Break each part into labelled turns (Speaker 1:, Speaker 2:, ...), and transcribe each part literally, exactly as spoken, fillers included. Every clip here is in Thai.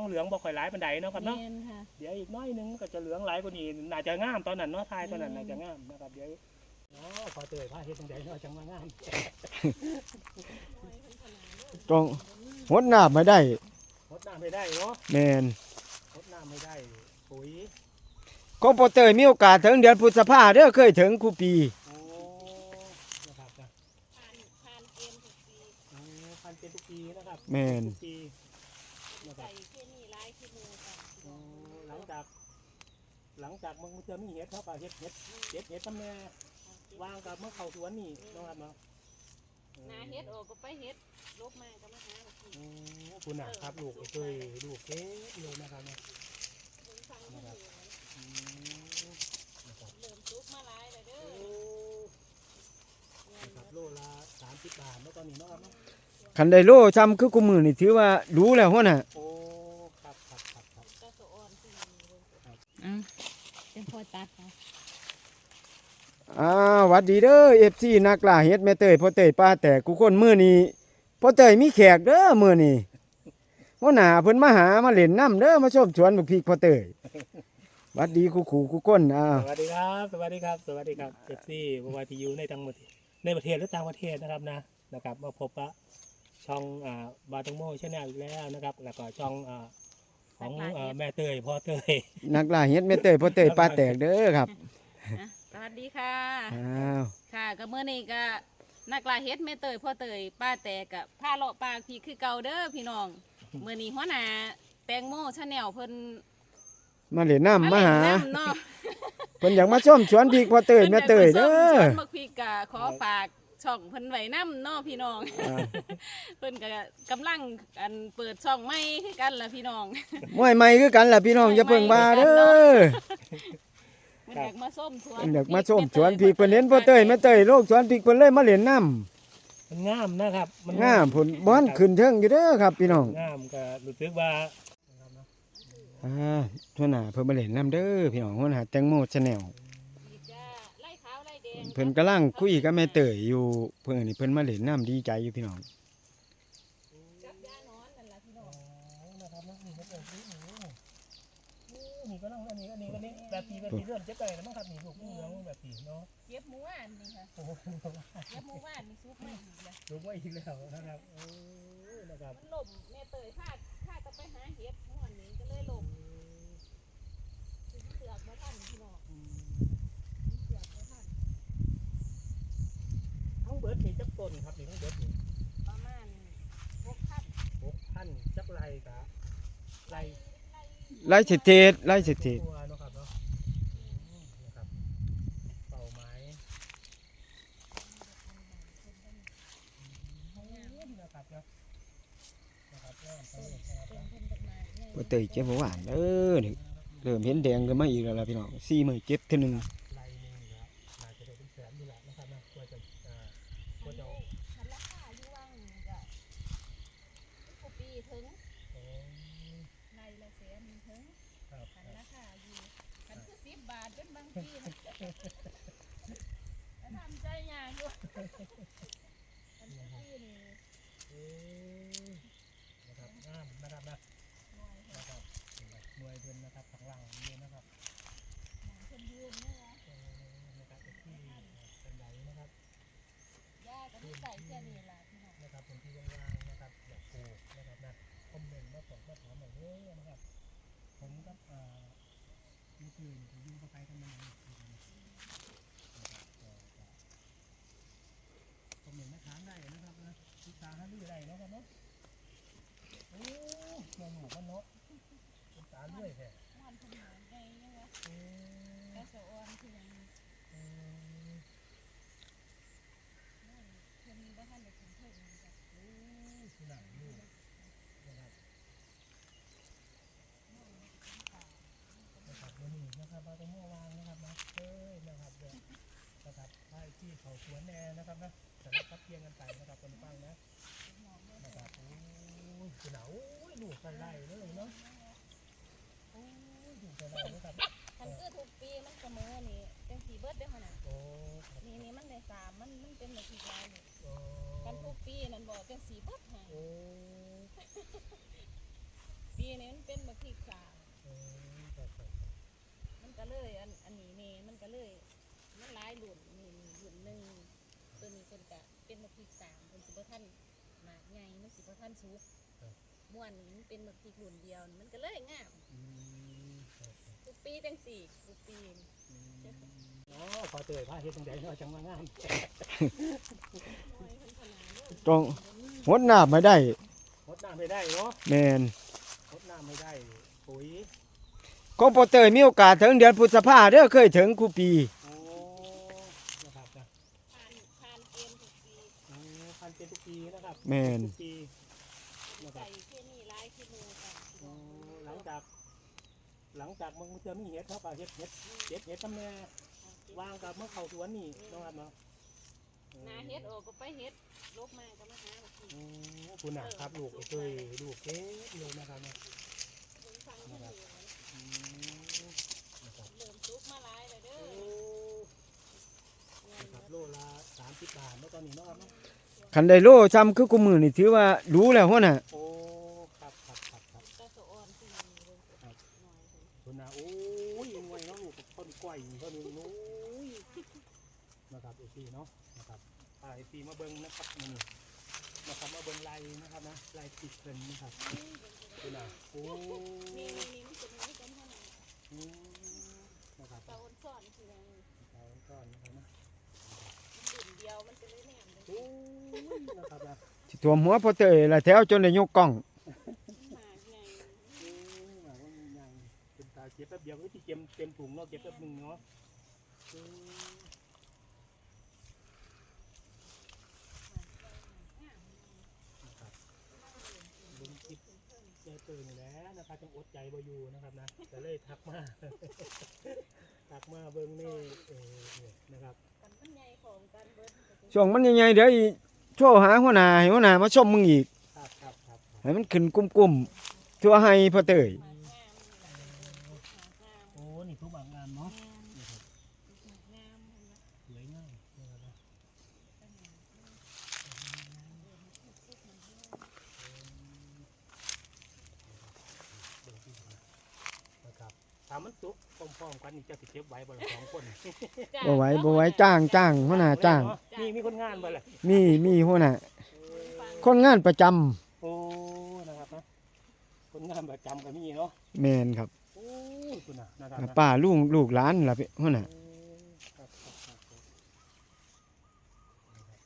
Speaker 1: เหลืองบ่ค่อยหลายปานใดเนาะครับเนาะ
Speaker 2: แม่นค่ะ
Speaker 1: เดี๋ยวอีกน้อยนึงก็จะเหลืองหลายกว่านี้น่าจะงามตอนนั้นเนาะทายตอนนั้นน่าจะงามนะครับเดี๋ยวเนาะพอเตยพาเฮ็ดจังไดเนาะจังว่างาม
Speaker 3: ต้องหดน้ำไม่ได้
Speaker 1: รดน้ำไม่ได้เนาะ
Speaker 3: แมน
Speaker 1: รดน้ำไม่ได้ปุ๋ย
Speaker 3: ของพ่อเตยมีโอกาสถึงเดือนพฤษภาเด้อเคยถึงคูปี
Speaker 1: โอ้นะครับนะ
Speaker 2: ผ่านผ่านเกณฑ์ทุกปี
Speaker 1: โอ้พันเป็นทุกปีนะครับ
Speaker 3: แมน
Speaker 1: ทุกปีนะครับ
Speaker 2: ใส่เคมีหลายขี้มูกค่ะ
Speaker 1: โอ้หลังจาก หลังจากมึงเจอมีเห็ดเขาก็เห็ดเห็ดเห็ดเห็ดทำแม่วางกับเมื่อเข้าสวนนี่นะครับเนาะ
Speaker 2: นาเฮ็ดออกก็ไปเฮ็ดลบมาก็มาหาเอากิน
Speaker 1: โอ้คุณน่ะครับลูกเคยลูกเก๊เลยนะครับเนี่ย
Speaker 2: เบิ่งฟังเพิ่นอยู่
Speaker 1: อืมนะครับ
Speaker 2: เริ่มสุกมาหลายแล้วเด้
Speaker 1: โอ้
Speaker 2: อ
Speaker 1: นะครับโลละสามสิบบาทเมื่อตอนนี้เนาะครับเนาะ
Speaker 3: คันไดโลจำคือกูมือนี่ถือว่ารู้แล้วหัวน่ะ
Speaker 1: โอ้ครับครับครับครับ
Speaker 2: ก็สะอ่อนขึ้นมาเบิ่งอ่ะเป็นพอตัดค่ะ
Speaker 3: อ้าวหวัดดีเด้อเอฟซีนักล่าเฮ็ดแม่เตยพ่อเตยป้าแต่กูคนมือนี้พ่อเตยมีแขกเด้อมือนี้หัวหน้าเพิ่นมาหามาเล่นน้ำเด้อมาชมสวนบักพริกพ่อเตยหวัดดีกูขู่กูคนอ้าว
Speaker 1: สวัสดีครับสวัสดีครับสวัสดีครับเอฟซีบวายทียูในต่างประเทศในประเทศและต่างประเทศนะครับนะนะครับมาพบกับช่องอ่าบาตังโมชาแนลอีกแล้วนะครับแล้วก็ช่องอ่าของอ่าแม่เตยพ่อเตย
Speaker 3: นักล่าเฮ็ดแม่เตยพ่อเตยป้าแตกเด้อครับ
Speaker 2: อ่ะสวัสดีค่ะ
Speaker 3: อ้าว
Speaker 2: ค่ะก็เมื่อนี้ก็นักลาเฮ็ดแม่เตยพ่อเตยป้าแต่กับผ้าเลาะปากพี่คือเก่าเด้อพี่น้องเมื่อนี้หัวหน้าแตงโมชาแนลเพิ่น
Speaker 3: มาเล่นน้ำมา
Speaker 2: เล่น
Speaker 3: หา
Speaker 2: น้ำเนาะ
Speaker 3: เพิ่นอยากมาชมสวนพริกพ่อเตยแม่เตยเด้
Speaker 2: พิ่น
Speaker 3: อ
Speaker 2: อยากมาส้มสวนบักพริกกะขอฝากช่องเพิ่นไว้น้ำเนาะพี่น้อง
Speaker 3: อ่า
Speaker 2: เพิ่นก็กำลังอันเปิดช่องใหม่คือกันล่ะพี่น้อง
Speaker 3: มวยใหม่คือกันล่ะพี่น้องอย่าเพิ่งมาเด้อ
Speaker 2: เพิ่นอยากมาส้มสวน
Speaker 3: เพิ่นอยากมาชมสวนพริกเพิ่นเห็นพ่อเตยแม่เตยโลกสวนพริกเพิ่นเลยมาเล่นน้ำ
Speaker 1: มันงามนะครับมัน
Speaker 3: งามผลบ้านขึ้นเทิงอยู่เด้อครับพี่น้อง
Speaker 1: งามก็รู้สึกว่า
Speaker 3: อ่าหัวหน้าเพิ่นมาเล่นน้ำเด้อพี่น้องหัวหน้าแตงโมชาแนล
Speaker 2: อีกจ้าไล่ขาวไล่แดง
Speaker 3: เพิ่นกำลังคุยกับแม่เตยอยู่เพิ่นนี่เพิ่นมาเล่นน้ำดีใจอยู่พี่น้อง
Speaker 2: กับยานอนนั่นล่ะพี่น้อง
Speaker 1: นะครับนะนี่ก็เกิดนี่นี่ก็ต้องอันนี้อันนี้อันนี้แบบปีแบบปีเริ่มเจ็บไปแล้วมั้งครับนี่ลูกเหลืองแบบปีเนาะ
Speaker 2: เก็บหมูหวานนี่ค่ะ
Speaker 1: โอ้โห
Speaker 2: เก็บหมูหวานนี่ซุปมาอีกแล้ว
Speaker 1: ลูกว่าอีกแล้วนะครับโอ้นะครับ
Speaker 2: มันล่มแม่เตยพาดพาดจะไปหาเห็ดม่วนนี้ก็เลยล่มเสือกมาทันพี่น้องเสือกมาทัน
Speaker 1: ทั้งเบิร์ดมีจักต้นครับนี่ทั้งเบิร์ดนี่
Speaker 2: ประมาณหกพัน
Speaker 1: หกพันจักไรกะไร
Speaker 2: ไล่
Speaker 3: ไล่เศรษฐีไล่เศรษฐี
Speaker 1: ตัวเนาะครับเนาะนะครับเป่าไม้นะครับเนาะนะครับเริ่มต้นนะครับ
Speaker 2: เป็นเพิ่นดอกไม้ใหญ่
Speaker 3: พ่อเตยเจ็บบ่หวานเด้อนี่เริ่มเห็นแดงกันมาอีกแล้วล่ะพี่น้องสี่มื้อเจ็บเทื่อหนึง
Speaker 1: ไรหนึ่งนะน่าจะได้เป็นแสนอยู่แหละนะครับนะกว่าจะอ่ากว่าจะ
Speaker 2: คันราคาอยู่ว่างนี่ก็ทุกปีถึง
Speaker 1: โอ้
Speaker 2: ไล่ละแสนถึง
Speaker 1: ครับค
Speaker 2: คัน
Speaker 1: รับ
Speaker 2: ราคาอยู่คันคือสิบบาทเป็นบางปีนะแล้วทำใจยากอยู่คันคือปีนี่
Speaker 1: เอ๊ะนะครับงามนะครับนะ
Speaker 2: หน่อยค่ะ
Speaker 1: นะครับหน่วยเพิ่นนะครับข้างล่างนี่นะครับ
Speaker 2: หมอนเพิ่นยืนนะคะ
Speaker 1: เออนะครับเป็นที่เป็นไหลนะครับ
Speaker 2: ย่าก็มีใส่แค่นี้ล่ะพี่น้อง
Speaker 1: นะครับเป็นที่ว่างๆนะครับอยากปลูกนะครับนะคอมเมนต์มาบอกมาถามหน่อยเด้อนะครับผมกับอ่าลูกอื่นผมอยู่กับใครกันมานะครับนะครับก็ก็คอมเมนต์มาถามได้นะครับนะศึกษาหารือได้เนาะครับเนาะโอ้แม่หนูก็เนาะศึกษาเรื่อยแท้
Speaker 2: ม่อนเพิ่นหมอนใหญ่ยังวะ
Speaker 1: เออ
Speaker 2: กระสะออนคือหยัง
Speaker 1: เออ
Speaker 2: ม่อนเพิ่นบ่ทันได้กินเพิ่นนี่จ้ะ
Speaker 1: โอ้ที่ไหนอยู่นะครับนะครับวันนี้นะครับเราต้องเมื่อวานนะครับนะเอ้ยนะครับเดี๋ยวนะครับให้ที่เขาสวนแน่นะครับนะแต่ละพักเพียงกันไปนะครับคนฟังนะนะครับโอ้ยหนาวโอ้ยดูกันไล่เลยเนาะโอ้ยดูกันไล่นะครับ
Speaker 2: คันคือทุกปีมันเสมอนี่จังสีเบิดเด้อหั่นน่ะ
Speaker 1: โอ้ครับ
Speaker 2: นี่นี่มันได้สามมันมันเป็นแบบที่ลายนี่
Speaker 1: โอ้
Speaker 2: กันทุกปีนั่นบ่จังสีเบิดให้
Speaker 1: โอ้
Speaker 2: ปีนี้มันเป็นบักพริกสาม
Speaker 1: อืมครับครับ
Speaker 2: มันก็เลยอันอันนี้นี่มันก็เลยมันหลายหลุนนี่หลุนหนึ่งตัวนี้เป็นกะเป็นบักพริกสามเป็นสิบท่านหมากใหญ่มันสิบท่านสุกม้วนนี่มันเป็นบักพริกหลุนเดียวนี่มันก็เลยงาม
Speaker 1: อืมครับครับ
Speaker 2: ทุกปีจังสี่ทุกปี
Speaker 1: อืมอ๋อขอเตยพาเฮ็ดจังไดเนาะจังว่างาม
Speaker 2: น้อยเพิ่นขนาดเด้อ
Speaker 3: ต้องหดน้ำไม่ได้
Speaker 1: รดน้ำไม่ได้เนาะ
Speaker 3: แมน
Speaker 1: รดน้ำไม่ได้ปุ๋ย
Speaker 3: ก็พอเตยมีโอกาสถึงเดือนพฤษภาเด้อเคยถึงคูปี
Speaker 1: โอ้นะครับนะ
Speaker 2: ผ่านผ่านเกณฑ์ทุกปี
Speaker 1: อืมพันเป็นทุกปีนะครับ
Speaker 3: แมน
Speaker 1: ทุกปีนะครั
Speaker 2: ใส่
Speaker 1: บ
Speaker 2: เคมีหลายขี้มูกัน
Speaker 1: อืมหลังจากหลังจากมึงจะมีเห็ดเขาก็เห็ดเห็ดเห็ดเห็ดตำแหน่วางกับเมื่อเข้าสวนนี่เนาะครับเนาะ
Speaker 2: นาเฮ็ดโออกก็ไปเฮ็ดลบมาก็มาหาบักพริก
Speaker 1: อืมคุณน่ะครับลูกเคยลูกเก๊เลยนะครับเนี่ย
Speaker 2: เพิ่นฟังเพิ่นอยู่
Speaker 1: อืมนะครับ
Speaker 2: เริ่มสุกมาหลายแล้วเด้
Speaker 1: โอ้
Speaker 2: อเงิน
Speaker 1: นะครับโลละสามสิบบาทเมื่อตอนนี้เนาะครับเนาะ
Speaker 3: คันไดโลจำคือกูมือนี่ถือว่ารู้แล้วหัวน่ะ
Speaker 1: โอ้ครับครับครับครับ
Speaker 2: กระโสอ่อนที่มีเบิ่งหน่อยเพิ่น
Speaker 1: คุณน่ะโอ้ยงวยเนาะลูกต้นกล้วยต้นนึงโอ้ยนะครับไอซีเนาะนะครับไอซีมาเบิ้งนะครับนี่นะครับมาเบิ้งลายนะครับนะลายติดเพิ่นนะครับคุณน่ะโอ้
Speaker 2: นี่นี่นี่มันเป็นไม้กันเท่านั้น
Speaker 1: อืมนะครับ
Speaker 2: ตาอ้นซ่อนคือมัน
Speaker 1: เอาก่อนนะครับนะ
Speaker 2: ดื่มเดียวมันจะเลยแหนมเลย
Speaker 1: โอ้ยนะครับนะ
Speaker 3: สิท่วมหัวพอเตยละแถวจนได้ยกกล้อง
Speaker 2: หมากใหญ่
Speaker 1: โอ้ยหมายว่ามันยังเป็นตาเก็บแป๊บเดียวก็ที่เก็บเต็มถุงเนาะเก็บแป๊บหนึงเนาะอืมนะครับเบิ้งคลิปเจอตื่นอยู่แล้วนะครับจังอดใจบ่อยู่นะครับนะจะเลยทักมา ทักมาเบิ้งนี่เออเนี่ยนะครับ
Speaker 2: กันมันใหญ่ของกันเบิด
Speaker 3: ช่วงมันใหญ่ๆเดี๋ยวอีโชว์หาหัวหน้าให้หัวหน้ามาชมมึงอีก
Speaker 1: ครับครับครับ
Speaker 3: ให้มันขึ้นกุ้มๆทั่วให้พอเตย
Speaker 2: หมากงามนี่แหละหมากงาม
Speaker 1: โอ้นี่ทุกบางงานเนาะ
Speaker 2: แม่น
Speaker 1: นะครับ
Speaker 2: หมากงามเห็นไหม
Speaker 1: สวยงามนะครับนะเบิ่งที่นะนะครับถ้ามันสุกพร้อมๆกันนี่จะสิเก็บไว้บ่ละสองคน
Speaker 2: จ้ะ
Speaker 3: บ่ไหวบ่ไหวจ้างจ้างหัวหน้าจ้าง
Speaker 1: นี่มีคนงานบ่ล่ะ
Speaker 3: มีมีหัวหน้าคนงานประจำ
Speaker 1: โอ้นะครับนะคนงานประจำก็มีเนาะ
Speaker 3: แมนครับ
Speaker 1: โอ้คุณน่ะนะครับนะ
Speaker 3: ป้าลูกลูกหลานล่ะพี่หัวหน้า
Speaker 1: โอ้ครับครับครับครับนะครับ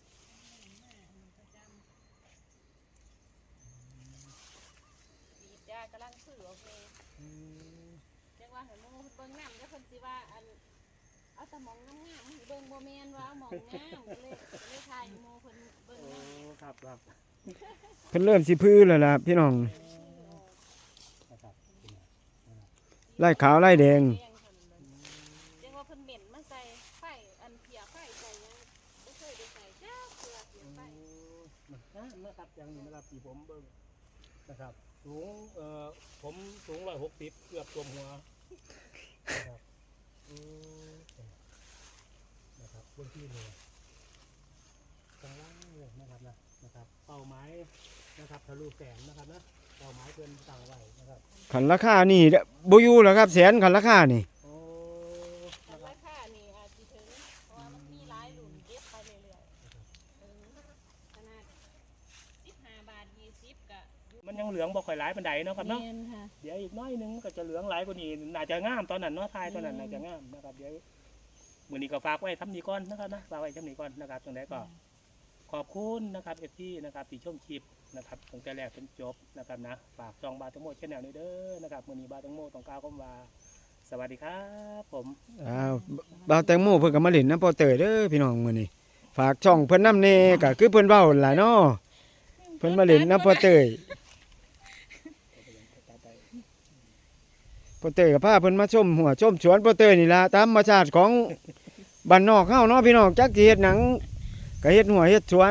Speaker 2: ดีจ้ากำลังซื้อออกเลย
Speaker 1: อืม
Speaker 2: จังว่าให้หมู่เบิ่งน้ำแล้วเพิ่นสิว่าอันเอาแต่หมองงามๆให้เบิ่งบ่แม่นว่าเอาหมองงามก็เลยก็เลยถ่ายให้หมู่เพิ่นเบิ่ง
Speaker 1: โอ้
Speaker 2: น้ำ
Speaker 1: ครับครับ
Speaker 3: เพิ่นเริ่มสิพื้นแล้วล่ะพี่น้อง
Speaker 1: นะครับคุณน่ะ
Speaker 3: ไล่ขาวไล่แดง
Speaker 2: เรียกว่าเพิ่นเหม็นมาใส่ไฟอันเพียไฟใส่ยังบ่เคยได้ใส่จ้าเพื่อเพียไฟ
Speaker 1: นะนะครับอย่างนี้นะครับที่ผมเบิ่งนะครับสูงเอ่อผมสูงร้อยหกสิบเกือบตัวหัวนะครับอืมนะครับบนที่เลยกลางล่างเลยนะครับนะนะครับเป้าหมายนะครับทะลุแสนนะครับนะเป้าหมายเพิ่นตั้งไว้นะครับ
Speaker 3: ขันราคานี่เด้อบ่อยู่แล้วครับแสนขันราคานี่
Speaker 1: โอ้
Speaker 2: อั
Speaker 1: นะ
Speaker 2: น
Speaker 1: ครั
Speaker 2: รา
Speaker 1: บ
Speaker 2: คานี่อาจสิถึงเพราะว่ามันมีหลายรุ่นเก็บไปเรื่อยๆถึงขนาดสิบห้าบาทยี่สิบก็อยู่
Speaker 1: มันยังเหลืองบ่ค่อยหลายปานใดเนาะครับเนาะ
Speaker 2: แม่นค่ะ
Speaker 1: เดี๋ยวอีกน้อยหนึงมันก็จะเหลืองหลายกว่านี้น่าจะงามตอนนั้นเนาะทายตอนนั้นน่าจะงามนะครับเดี๋ยวมื้อนี้ก็ฝากไว้ทำนี้ก่อนนะครับนะฝากไว้ทำนี้ก่อนนะครับจังได๋ก็ขอบคุณนะครับ เอฟ ซี นะครับที่ชมคลิปนะครับตั้งแต่แรกจนจบนะครับนะฝากช่องบาตังโมชแนลนี้เด้อนะครับมื้อนี้บาตังโมต้องกล่าวคำว่าสวัสดีครับผม
Speaker 3: อ้าวบ่าวแตงโมเพิ่นก็มาเล่นน้ำพอเตยเด้อพี่น้องมื้อนี้ฝากช่องเพิ่นนำแน่ก็คือเพิ่นเว้าหั่นล่ะเนาะเพิ่นมาเล่นน้ำพอเตยพอเตยก็พาเพิ่นมาชมหัวชมสวนพอเตยนี่ล่ะตามธรรมชาติของบ้านนอกเฮาเนาะพี่น้องจักสิเฮ็ดหนังก็เฮ็ดหัวเฮ็ดสวน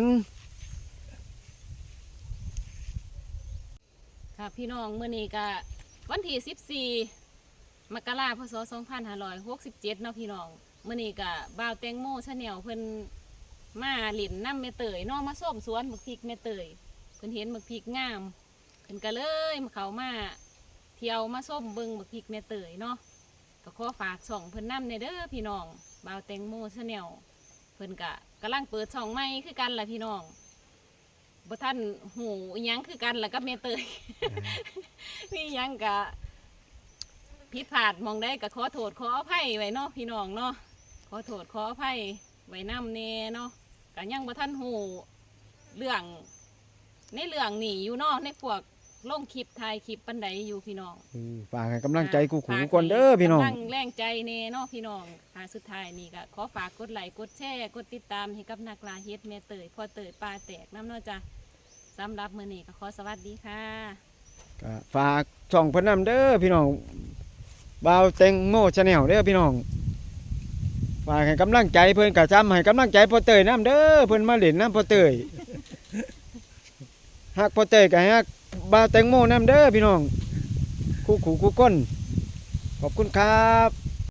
Speaker 2: ค่ะพี่น้องมื้อนี้ก็วันที่สิบสี่มกราคมพศสองพันห้าร้อยหกสิบเจ็ดเนาะพี่น้องมื้อนี้ก็บ่าวแตงโมชาแนลเพิ่นมาเล่นน้ำแม่เตยเนาะมาส้มสวนบักพริกแม่เตยเพิ่นเห็นบักพริกงามพิ่นก็เลยมาเขามาเที่ยวมาส้มเบิ่งบักพริกแม่เตยเนาะก็ขอฝากช่องเพิ่นนำในเด้อพี่น้องบ่าวแตงโมชาแนลเพิ่นก็กำลังเปิดช่องใหม่คือกันล่ะพี่น้องบ่ทันหูอิหยังคือกันล่ะกับแม่เตย มีหยังก็ผิดพลาดหมองได้ก็ขอโทษขออภัยไว้เนาะพี่น้องเนาะขอโทษขออภัยไว้นำแน่เนาะก็ยังบ่ทันหูเรื่องในเรื่องนี่อยู่เนาะในพวกลงคลิปถ่ายคลิปปันใดอยู่พี่น้อง
Speaker 3: อืมฝากให้กำลังใจกูขู่ก่อนเด้อพี่น้อง
Speaker 2: กำลังแรงใจเน่เนาะพี่น้องหาสุดท้ายนี่ก็ขอฝากกดไลค์กดแชร์กดติดตามให้กับนักลาเฮ็ดแม่เตยพ่อเตยปลาแตกน้ำเนาะจ้ะสำหรับมื้อนี้ก็ขอสวัสดีค่ะ
Speaker 3: ก็ฝากช่องเพิ่นนำเด้อพี่น้องบ่าวแตงโมชาแนลเด้อพี่น้องฝากให้กำลังใจเพิ่นก็จำให้กำลังใจพ่อเตยนำเด้อเพิ่นมาเล่นน้ำพ่อเตยฮักพ่อเตยก็ฮักบ่าวแตงโมนำเด้อพี่น้องคู่ขู่คู่ก้นขอบคุณครับ